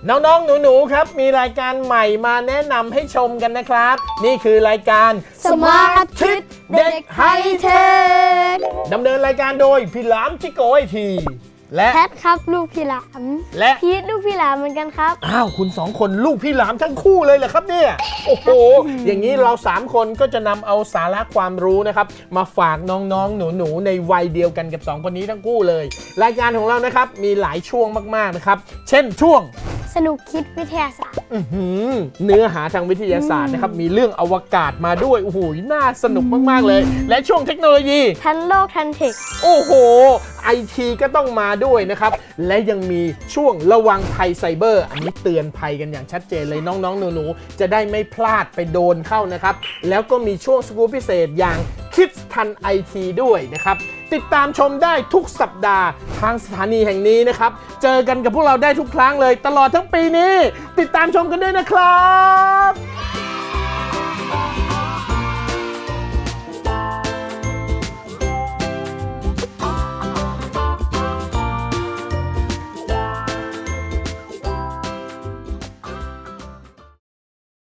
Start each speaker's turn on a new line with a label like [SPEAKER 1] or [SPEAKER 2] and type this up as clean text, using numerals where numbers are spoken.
[SPEAKER 1] น้องๆหนูๆครับมีรายการใหม่มาแนะนำให้ชมกันนะครับนี่คือรายการ
[SPEAKER 2] Smart Kids เด็กไฮเทค
[SPEAKER 1] ดำเนินรายการโดยพี่หลามจิโกไอทีและ
[SPEAKER 2] แพทครับลูกพี่หลาม
[SPEAKER 1] และ
[SPEAKER 2] พีทลูกพี่หลามเหมือนกันครับ
[SPEAKER 1] อ้าวคุณสองคนลูกพี่หลามทั้งคู่เลยเหรอครับเนี่ยโอ้โหอย่างนี้เรา3คนก็จะนำเอาสาระความรู้นะครับมาฝากน้องๆหนูๆในวัยเดียวกันกับ2คนนี้ทั้งคู่เลยรายการของเรานะครับมีหลายช่วงมากๆนะครับเช่นช่วง
[SPEAKER 2] สนุกคิดวิทยาศาสตร์
[SPEAKER 1] เนื้อหาทางวิทยาศาสตร์นะครับมีเรื่องอวกาศมาด้วยโอ้โหน่าสนุกมากๆเลยและช่วงเทคโนโลยี
[SPEAKER 2] ทันโลกทันเทค
[SPEAKER 1] โอ้โหไอทีก็ต้องมาด้วยนะครับและยังมีช่วงระวังภัยไซเบอร์อันนี้เตือนภัยกันอย่างชัดเจนเลยน้องๆหนูๆจะได้ไม่พลาดไปโดนเข้านะครับแล้วก็มีช่วงสกู๊ปพิเศษอย่างคิดทันไอทีด้วยนะครับติดตามชมได้ทุกสัปดาห์ทางสถานีแห่งนี้นะครับเจอกันกับพวกเราได้ทุกครั้งเลยตลอดทั้งปีนี้ติดตามชมกันด้วยนะครับ